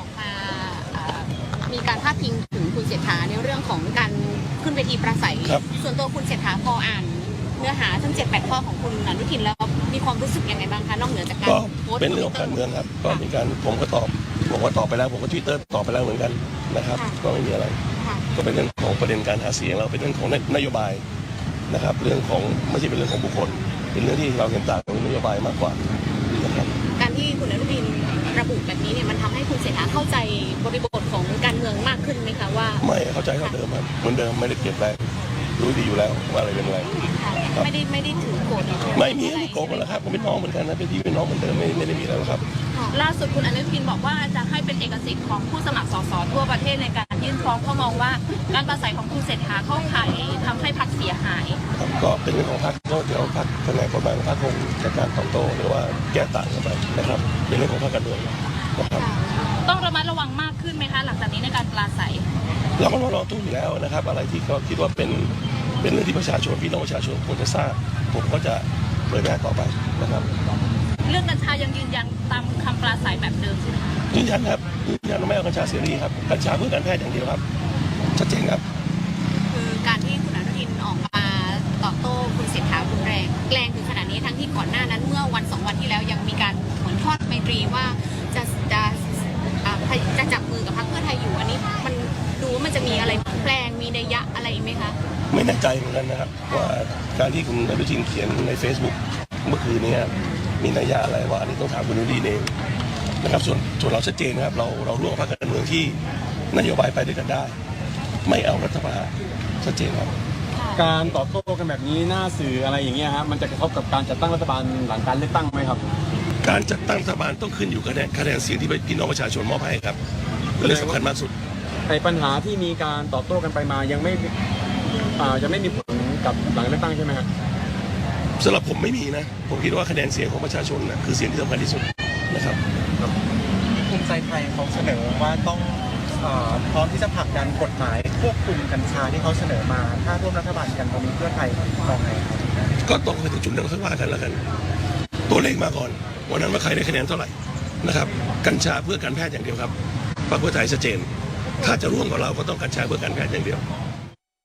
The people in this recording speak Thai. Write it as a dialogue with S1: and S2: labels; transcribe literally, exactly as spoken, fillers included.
S1: อกมามีการพาดพิงถึงคุณเศรษฐาในเรื่องของการขึ้นเวทีปราศัยส่วนตัวคุณเศรษฐาพออ่านเนื้อหาทั้งเจ็ดแปดข้อของคุณอนุทินแล้วมีความรู้สึกยังไงบ้างคะนอกเหนือจากการโพสต์
S2: เป็นเรื่องของการเมืองครับก็มีการผมก็ตอบผมก็ตอบไปแล้วผมก็ทวิตเตอร์ตอบไปแล้วเหมือนกันนะครับก็ไม่มีอะไรก็เป็นเรื่องของประเด็นการหาเสียงเราเป็นเรื่องของนโยบายนะครับเรื่องของไม่ใช่เป็นเรื่องของบุคคลเป็นเรื่องที่เราเห็นต่างเป็นนโยบายมากกว่านะครับ
S1: การที่คุณอนุทินระบุแบบนี้เนี่ยมันทำให้คุณเศรษฐาเข้าใจบริบทของการเมืองมากขึ้นไหมคะว่า
S2: ไม่เข้าใจเท่าเดิมครับเหมือนเดิมไม่ได้เปลี่ยนแปลงรู้ดีอยู่แล้วว่าอะไรเป็นอะไร
S1: ไม่ได้ไม่ได้ถือโกรธ
S2: ไม่มีไม่โกรธแล้วครับผมเป็นน้องเหมือนกันนะเป็นพี่เป็นน้องเหมือนเดิมไม่ไม่ได้มีอะไรแล้วครับ
S3: ล่าสุดคุณอนุทินบอกว่าจะให้เป็นเอกสิทธิ์ของผู้สมัครสสทั่วประเทศในการยื่นฟ้องเพราะมองว่าการปราศัยของคุณเศรษฐาเข้าข่ายทำให้พรรคเสียหาย
S2: ก็เป็นเรื่องของพรรคก็เดี๋ยวพรรคแผนกกฎหมายของพรรคคงจัดการตอบโต้หรือว่าแก้ต่างกันไปนะครับเป็นเรื่องของพรรคการเมืองนะครับ
S3: ต้องระมัดระวังมากขึ้นไหมคะหลังจากนี้ในการปราศัย
S2: เราก็รอตู้อยู่แล้วนะครับอะไรที่เขาคิดว่าเป็นเป็นเรื่องที่ประชาชนพี่น้องประชาชนควรจะทราบผมก็จะเผยแพร่ต่อไปนะครับ
S3: เรื่องกัญชายังยืนยันตามคำปราศัยแบบเดิมใช่ไหมคะ
S2: ยืนยันครับยืนยันว่าไม่เอากัญชาเสรีครับกัญชาเพื่อการแพทย์อย่างเดียวครับชัดเจนครับ
S1: คือการที่คุณอนุทินออกมาตอบโต้คุณเศรษฐารุนแรงแรงถึงขนาดนี้ทั้งที่ก่อนหน้านั้นเมื่อวันสองวันที่แล้วยังมีการเหมือนทอดไมตรีว่าจะจะจะจับมือกับพรรคเพื่อไทยอยู่อันนี้มันดูว่ามันจะมีอะไรแปลงมีนัยยะอะไรไหมคะ
S2: ไม่แน่ใจเหมือนกันนะครับว่าการที่คุณอนุทินเขียนใน Facebook เมื่อคืนนี้มีนัยยะอะไรว่าอันนี้ต้องถามคุณอนุทินเองนะครับส่วนส่วนเราชัดเจนนะครับเราเราร่วมพรรคการเมืองที่นโยบายไปด้วยกันได้ไม่เอารัฐประหารชัดเจนครับ
S4: การตอบโต้กันแบบนี้หน้าสื่ออะไรอย่างเงี้ยฮะมันจะกระทบกับการจัดตั้งรัฐบาลหลังการเลือกตั้งไหมครับ
S2: การจัดตั้งรัฐบาลต้องขึ้นอยู่กับคะแนนเสียงที่พี่น้องประชาชนมอบให้ครับเรื่องสำคัญมากสุด
S4: ไอ้ปัญหาที่มีการตอบโต้กันไปมายังไม่อ่ายังไม่มีผลกับหลังเลือกตั้งใช่ไหมครับ
S2: สำหรับผมไม่มีนะผมคิดว่าคะแนนเสียงของประชาชนนะคือเสียงที่สำคัญที่สุดนะครับ
S5: ภูมิใจไทยเขาเสนอว่าต้องพร้อมที่จะผลักดันกฎหมายควบคุมกัญชาที่เขาเสนอมาถ้าร่วมรัฐบาลกันตรงนี้เพื่อไทยมองไงครับ
S2: ก็ต้องไปถึงจุดนั้นค่อยว่ากันแล้วกันตัวเลขมาก่อนวันนั้นว่าใครได้คะแนนเท่าไหร่นะครับกัญชาเพื่อการแพทย์อย่างเดียวครับพรรคเพื่อไทยชัดเจนถ้าจะร่วมกับเราก็ต้องกัญชาเพื่อการแพทย์อย่างเดียว